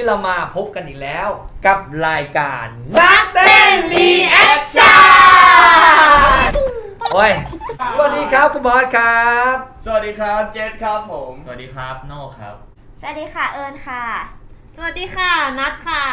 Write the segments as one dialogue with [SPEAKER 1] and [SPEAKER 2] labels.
[SPEAKER 1] เรามาพบกันอีกแล้วกับรายการนักเต้นรีแอคชั่นโอ้ยสวัสดีครับคุณบอสครับ
[SPEAKER 2] สวัสดีครับเจษครับผม
[SPEAKER 3] สวัสดีครับโน่ครับ
[SPEAKER 4] สวัสดีค่ะเอิญค่ะ
[SPEAKER 5] สวัสดีค่ะนัทค่ะ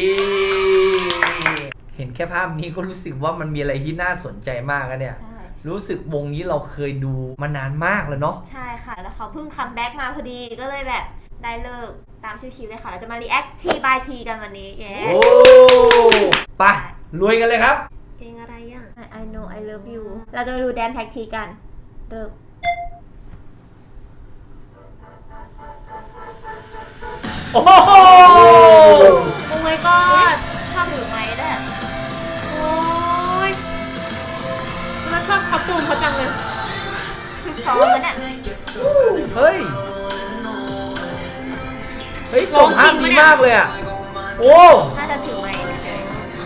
[SPEAKER 1] เห็นแค่ภาพนี้ก็รู้สึกว่ามันมีอะไรที่น่าสนใจมากนะเนี่ย
[SPEAKER 4] ใช่
[SPEAKER 1] รู้สึกวงนี้เราเคยดูมานานมากแล้วเนาะ
[SPEAKER 4] ใช่ค่ะ แล้วเขาเพิ่งคัมแบ็กมาพอดีก็เลยแบบได้เลิกตามชื่อคลิปเลยค่ะ เราจะมา react T by T กันวันนี้เย้
[SPEAKER 1] โอ้ไปรวยกันเลยครับ
[SPEAKER 5] เพลงอะไรอ่ะ
[SPEAKER 4] I know I love you เราจะมาดูแดนแท็กทีกันเริ่ม
[SPEAKER 1] โอ้โห
[SPEAKER 5] โอ้ my god
[SPEAKER 4] ชอบถือไม้ด้วย
[SPEAKER 5] โอ้ยเราชอบคอสตูมเขาจังเลย
[SPEAKER 4] ชุดซ้อมกันเนี่ย
[SPEAKER 1] เฮ้ยส่งภาพดีมากเลยอ่ะโอ้
[SPEAKER 4] น่าจะถือไม้เฉย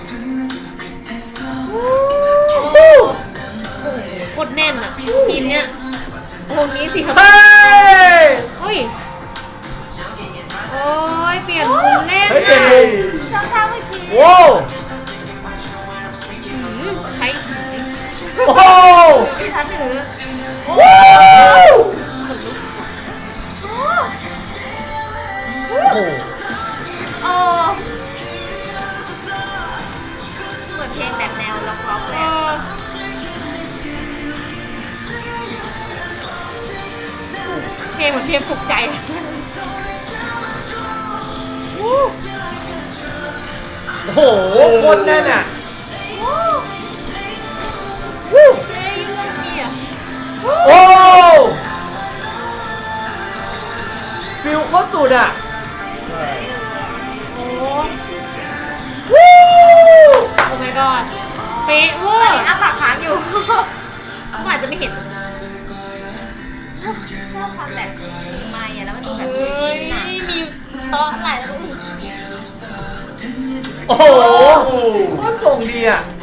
[SPEAKER 5] กดแน่นอ่ะทีมเนี้ยวงนี้สิครับ
[SPEAKER 1] เฮ้ย
[SPEAKER 5] โอ้ยโอ้ยเปลี่ยนมุมเล่น
[SPEAKER 1] เฮ้ยเปลี่ยนวง
[SPEAKER 4] ชอบท่าเมื่อกี้
[SPEAKER 1] โอ้
[SPEAKER 5] ใช้
[SPEAKER 1] โอ้
[SPEAKER 4] ที่ทันถือ
[SPEAKER 1] ว้าวโอ้โห
[SPEAKER 4] โอ้เหมือนเพลงแบบแนวล็อกๆเลยอะ
[SPEAKER 5] เพลงเหมือนเพลงปลุกใจ
[SPEAKER 1] โอ้โหโคตรแน่นอ่ะวู้
[SPEAKER 5] เฮ้ยยุ่งเรื่องนี้อ่ะ
[SPEAKER 1] โอ้ฟิลโคตรสุดอ่ะ
[SPEAKER 5] โอ้
[SPEAKER 1] วู้
[SPEAKER 5] โอ้ my god เป๊ะเวอ
[SPEAKER 4] ตอน
[SPEAKER 5] ร์
[SPEAKER 4] นี้อ้าปากค้างอยู่
[SPEAKER 5] ก็อาจจะไม่เห็น
[SPEAKER 4] ชอบความแบบมีไม้อะแล้วมันดูแบบ
[SPEAKER 5] เฮ้ย
[SPEAKER 4] หนัก
[SPEAKER 5] มีโต๊ะหลายรูป
[SPEAKER 1] โอ้โหโคตรส่งดีอ่ะ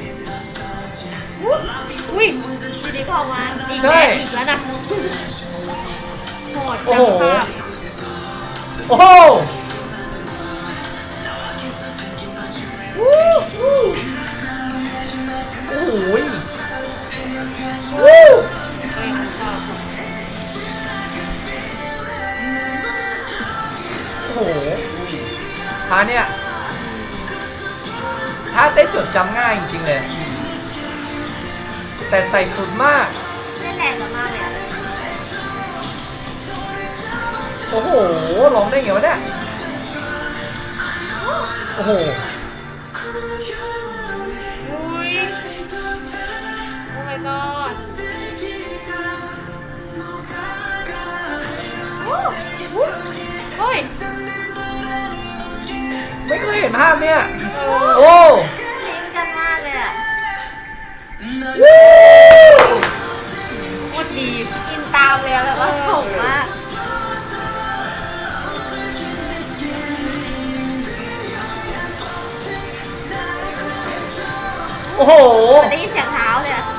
[SPEAKER 5] อุ้ย
[SPEAKER 4] ทีนี้พอมา
[SPEAKER 5] อีก
[SPEAKER 1] ใช่
[SPEAKER 5] แล้วอีกแล้วนะโหด
[SPEAKER 1] โอ้
[SPEAKER 5] จั
[SPEAKER 1] โห
[SPEAKER 5] งภาพ
[SPEAKER 1] โอ้โหโอ้โหวู้
[SPEAKER 5] เฮ้ยภาพ
[SPEAKER 1] โอ้โหท่าเนี่ยท่าเต้นจดจำง่ายจริงๆเลย แต่ใส่สุดมาก
[SPEAKER 4] เล่นแรงกันมากเลยอะ
[SPEAKER 1] โอ้โหร้องได้ไงวะเนี่ย โอ้โห
[SPEAKER 5] อุ้ยโอ้ my god เฮ้ย
[SPEAKER 1] ไม่เคยเห็นภาพเนี่ย
[SPEAKER 5] เออ
[SPEAKER 1] โอ้
[SPEAKER 4] ลิงก์กันมากเลยอะ
[SPEAKER 1] วู้
[SPEAKER 5] โคตรดี
[SPEAKER 4] อินตามเลยอะแบบว่าส่งมาก
[SPEAKER 1] โอ้โห
[SPEAKER 4] มันได้ยินเสียงเท้าเลยอะ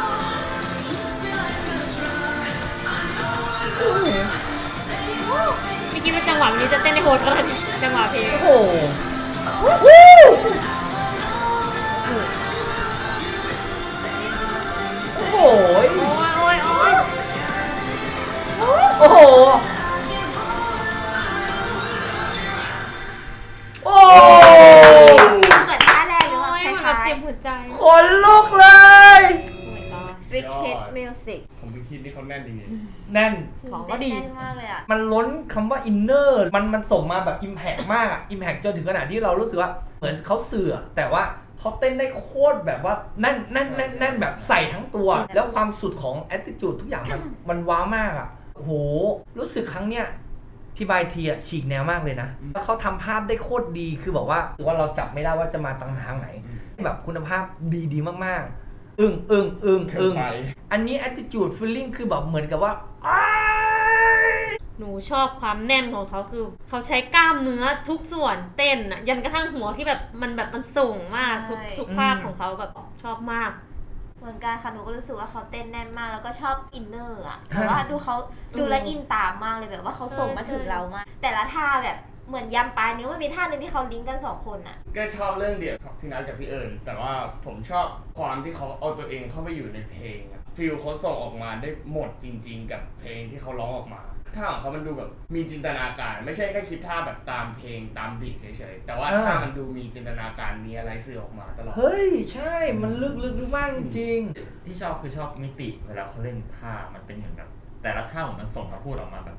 [SPEAKER 5] ไม่คิดว่าจังหวะนี้จะเต้นในโหดขนาดนี้จังหวะเพลง
[SPEAKER 1] โอ้โหวู้โอ้โห
[SPEAKER 5] โอ้ยโอ้ยโอ้ย
[SPEAKER 1] โอ้โห โอ้
[SPEAKER 4] เหมือนท่าแรกหรือ
[SPEAKER 5] โอ้
[SPEAKER 4] ว่าย ค
[SPEAKER 5] เหมือนแบบ
[SPEAKER 4] ล้าย
[SPEAKER 5] เจ็บหัวใจ
[SPEAKER 1] ขนลุกเลย
[SPEAKER 5] โอ้ my god
[SPEAKER 4] ๆ Big Hit Music
[SPEAKER 2] ผมดูคลิปนี้เขาแน่นดี
[SPEAKER 1] แน่น
[SPEAKER 5] ของก็ดี
[SPEAKER 4] แน่นมากเลยอะ
[SPEAKER 1] มันล้นคำว่าอินเนอร์มันส่งมาแบบอิมแพกมากอะอิมแพกจนถึงขนาดที่เรารู้สึกว่าเหมือนเขาเสือแต่ว่าเขาเต้นได้โคตรแบบว่าแน่นแบบใส่ทั้งตัว แล้วความสุดของ attitude ทุกอย่างมันว้าวมากอะโอ้โห รู้สึกครั้งเนี้ยที่บายทีอะฉีกแนวมากเลยนะแล้วเขาทำภาพได้โคตรดีคือบอกว่าถือว่าเราจับไม่ได้ว่าจะมาทางไหน แบบคุณภาพดีมากๆ อึ้ง
[SPEAKER 2] เกินไป
[SPEAKER 1] อันนี้ attitude feeling คือแบบเหมือนกับว่า
[SPEAKER 5] หนูชอบความแน่นของเขาคือเขาใช้กล้ามเนื้อทุกส่วนเต้นอะยันกระทั่งหัวที่แบบมันสูงมากทุกภาคของเขาแบบชอบมาก
[SPEAKER 4] เหมือนกันค่ะหนูก็รู้สึกว่าเขาเต้นแน่นมากแล้วก็ชอบอินเนอร์อะแต่ว่าดูเขาดูแลวอินตามมากเลยแบบว่าเขาส่งมาถึงเรามากแต่ละท่าแบบเหมือนยำปลายนิ้วมันมีท่าหนึ่งที่เขาลิงก์กัน2คนอะ
[SPEAKER 2] ก็ชอบเรื่องเดียวกับพี่นัทกับพี่เอิญแต่ว่าผมชอบความที่เขาเอาตัวเองเข้าไปอยู่ในเพลงอะฟิลเขาส่งออกมาได้หมดจริง ๆ กับเพลงที่เขาร้องออกมาท่าของเขามันดูแบบมีจินตนาการไม่ใช่แค่คิดท่าแบบตามเพลงตามบีทเฉยๆแต่ว่าท่ามันดูมีจินตนาการมีอะไรสื่อออกมาตลอด
[SPEAKER 1] เฮ้ยใช่มันลึกมากจริง
[SPEAKER 3] ที่ชอบคือชอบมิติเวลาเขาเล่นท่ามันเป็นเหมือนแบบแต่ละท่ามันส่งมาพูดออกมาแบบ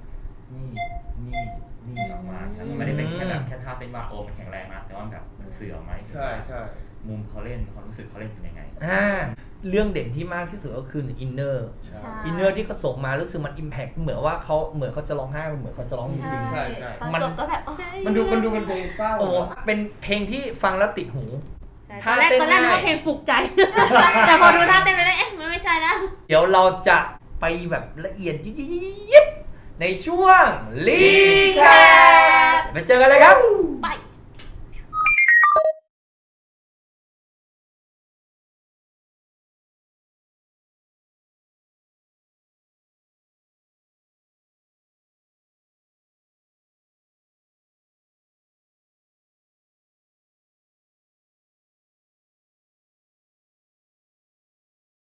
[SPEAKER 3] นี่ออกมาแล้วมันไม่ได้เป็นแค่แบบแค่ท่าเต้นว่าโอ้มันแข็งแรงนะแต่ว่าแบบมันสื่อออกมาให้เห็นว่า
[SPEAKER 2] ใช่
[SPEAKER 3] มุมเขาเล่นความรู้สึกเขาเล่นเป็นยังไง
[SPEAKER 1] เรื่องเด่นที่มากที่สุดก็คืออินเนอร์
[SPEAKER 2] ใช่
[SPEAKER 4] ใช่
[SPEAKER 1] อินเนอร์ที่เขาส่งมารู้สึกมันอิมแพคเหมือนว่าเขาจะร้องไห้เหมือนเขาจะร้องจริง
[SPEAKER 2] ใช่
[SPEAKER 4] ตอน
[SPEAKER 1] มัน
[SPEAKER 4] จบก็แบบ
[SPEAKER 2] มันดูเป็นเพลงเศร้า
[SPEAKER 1] ๆโอ้เป็นเพลงที่ฟังแล้วติดหู
[SPEAKER 5] ตอนแรกนึกว่าเพลงปลุกใจ แต่พอดูท่าเต้นไปแล้วเอ๊ะมันไม่ใช่แล้ว
[SPEAKER 1] เดี๋ยวเราจะไปแบบละเอียดยิบในช่วงรีแคปไปเจอกันเลยครับ